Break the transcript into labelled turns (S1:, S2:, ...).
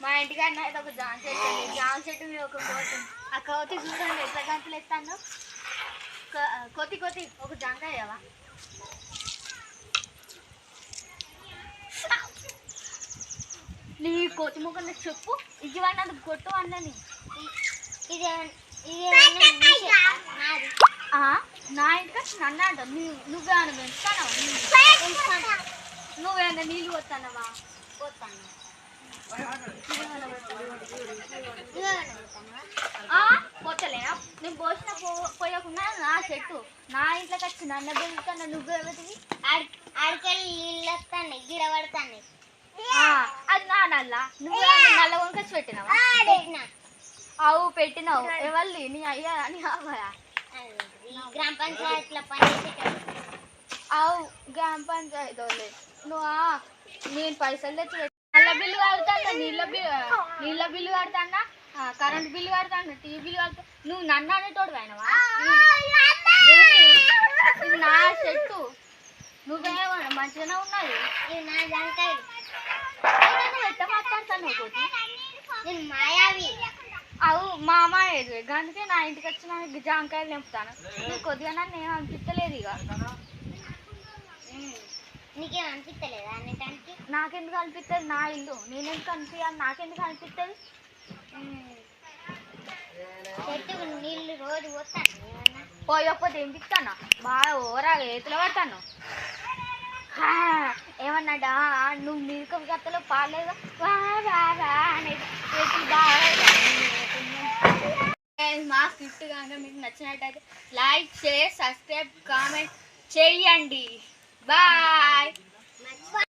S1: మా ఇంటికాడ అయితే ఒక జామ చెట్టు ఉంది. జామ చెట్టు మీద ఒక కోతి. ఆ కోతి చూడండి ఎట్లా గంటలు ఎత్తాను. కోతి కోతి ఒక జాంకాయవా? నీ కోతి ముఖం చెప్పు. ఇది వాడినందుకు కొట్టు అన్నని. నా ఇంటికి నన్ను అంటావు. నువ్వేమన్నా పెంచుతానవా? నువ్వేమన్నా నీళ్ళు పోతానవా? పోతాను. పోతలేనా? నేను పోసిన పోయకుండా నా చెట్టు నా ఇంట్లోకి వచ్చి నన్ను పెంచుతాను. నువ్వేమవుతుంది? ఆడికెళ్ళి నీళ్ళు వస్తాను, గిడ పడతాను. అది నా నల్ల. నువ్వు నల్ల కొనుకొచ్చి పెట్టినావా? అవు పెట్టినావు. ఎవరిది? నీ అయ్యా నీ అవ్వయా? గ్రామ పంచాయతీలో పనిచేసేటప్పుడు. అవు గ్రామ పంచాయతీ వాళ్ళే. నేను పైసలు తెచ్చి నల్ల బిల్లు కడతాను, నీళ్ళ బిల్లు కడతానా, కరెంట్ బిల్లు కడతాను, టీవీ బిల్లు కడతా. నువ్వు నన్ను అనేటోడు అయినవా? ఇది నా చెట్టు. నువ్వేమన్నా మంచిగానే ఉన్నది. ఇది నా జాంకాయ. ఎట్ట మాట్లాడతాను ఒకటి. నేను మాయావి. అవు మా మాయేది. అందుకే నా ఇంటికి వచ్చిన జాంకాయలు నింపుతాను. నువ్వు కొద్దిగా నన్ను ఏం అనిపించలేదు. ఇక నీకేం అనిపించలేదా అనేటానికి? నాకెందుకు అనిపిస్తుంది? నా ఇల్లు నేనెందుకు అనిపించాలి? నాకెందుకు అనిపిస్తుంది? చెట్టు నీళ్ళు రోజు పోతాను. పోయకపోతే ఏం తిస్తాను? బాగా ఓరా ఏతులు పడతాను. ఏమన్నాడా? నువ్వు మిల్క గత్తలో పాలేదా అనేది ఏతులు బాగా. మా స్క్రిప్ట్ కనుక మీకు నచ్చినట్టయితే లైక్, షేర్, సబ్స్క్రైబ్, కామెంట్ చేయండి. బాయ్.